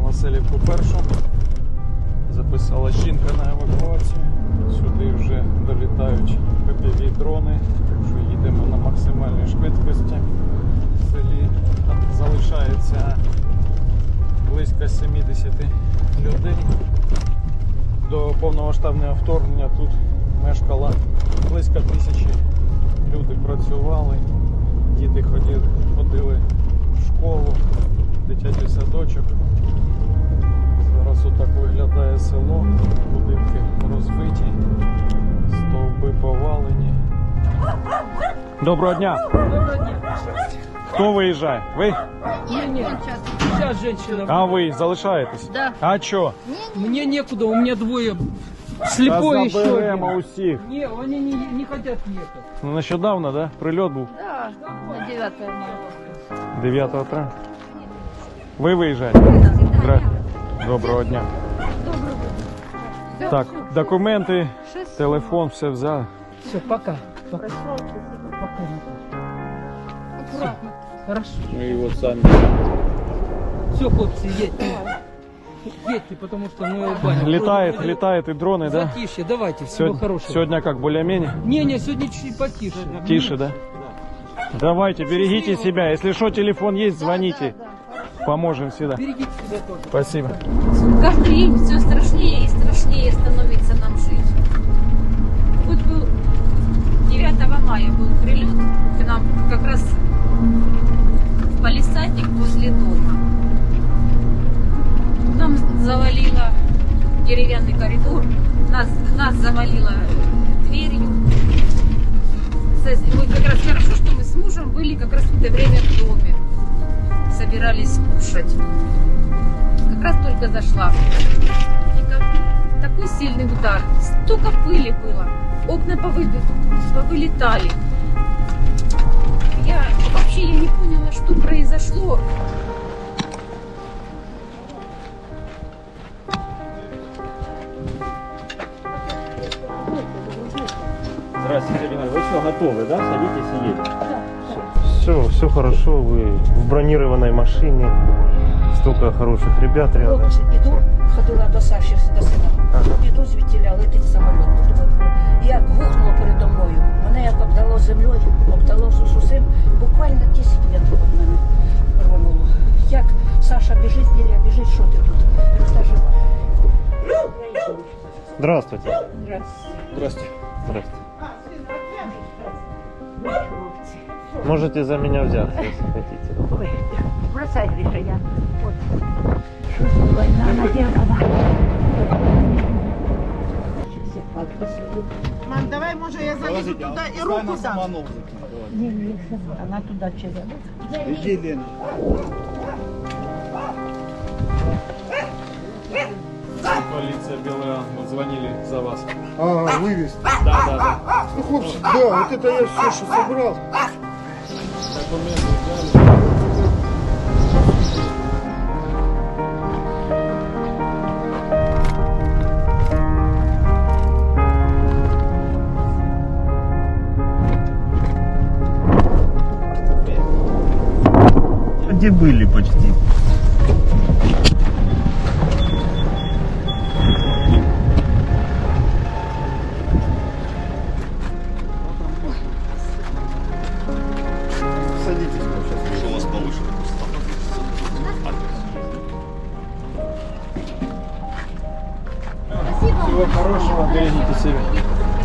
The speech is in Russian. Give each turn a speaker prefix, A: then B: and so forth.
A: Василівку першу. Записала жінка на евакуацію. Сюди вже долітають ППВ-дрони, так що їдемо на максимальній швидкості. В селі залишається близько 70 людей. До повномасштабного вторгнення тут мешкало близько 1000. Люди працювали, діти ходили в школу, дитячий садочок. Зараз отак виглядає село, будинки розбиті, стовби повалені. Доброго дня!
B: Доброго дня.
A: Хто виїжджає? Ви?
B: Нет, сейчас женщина.
A: А ви залишаєтесь?
B: Да.
A: А чо?
B: Мне некуда, у меня двое. Слепой еще
A: Заберемо
B: один.
A: усіх.
B: Не, они не хотят ехать.
A: Ну, нещодавно, да? Прильот був
C: Да, на 9 мая.
A: 9 травня. Ви виїжджаєте? Доброго дня. Так, документи, телефон, все взяли.
B: Все, пока. Пока.
C: Аккуратно.
B: Хорошо.
A: Ну і от самі.
B: Все, хлопцы, едьте. Едьте, потому что мы баню.
A: Літають і дрони, да?
B: Затишье, давайте, всего хорошего.
A: Сегодня как, более-менее?
B: Не, сегодня чуть-чуть потише.
A: Тише, да? Давайте, берегите себя. Если что, телефон есть, звоните. Поможем всегда.
B: Берегите себя тоже.
A: Спасибо.
C: Каждый день все страшнее и страшнее становится нам жить. Вот был 9 мая был прилет к нам как раз в палисадник возле дома. Нам завалило деревянный коридор, нас завалило дверью. Мы как раз хорошо, что мы с мужем были как раз в это время в доме. Собирались кушать. Как раз только зашла. И такой сильный удар. Столько пыли было. Окна повылетали. Я не поняла, что произошло.
D: Здравствуйте, Ирина. Вы все готовы, да? Садитесь и едем.
E: Все хорошо, вы в бронированной машине, столько хороших ребят рядом.
F: Хлопці, іду, ходила до Саші, до сина. Іду звідтіля, летить самоліт. І як гухнуло передо мною, мене як обдало землею, обдало усім, буквально 10 метрів від мене рвануло. Як Саша біжить, Лілія біжить, що ти тут? Я кажу, та жива.
E: Здравствуйте.
A: Здравствуйте.
E: Здравствуйте. Можете за меня взяться, если хотите.
F: Ой, бросай, Гриша, я. От. Що за війна наделала?
G: Мам, давай, може, я залізу туди і руку дам.
F: Ні, вона туди через.
D: Иди, Лена.
A: Полиция Белый Ангел, звонили за вас.
H: А, вывез.
A: Да.
H: Ну, хлопцы, да, вот это я все, что собрал.
A: Документы взяли.
E: Где были почти?
H: Садитесь, мы сейчас. Что у вас повыше?
A: Всего хорошего, берегите себя.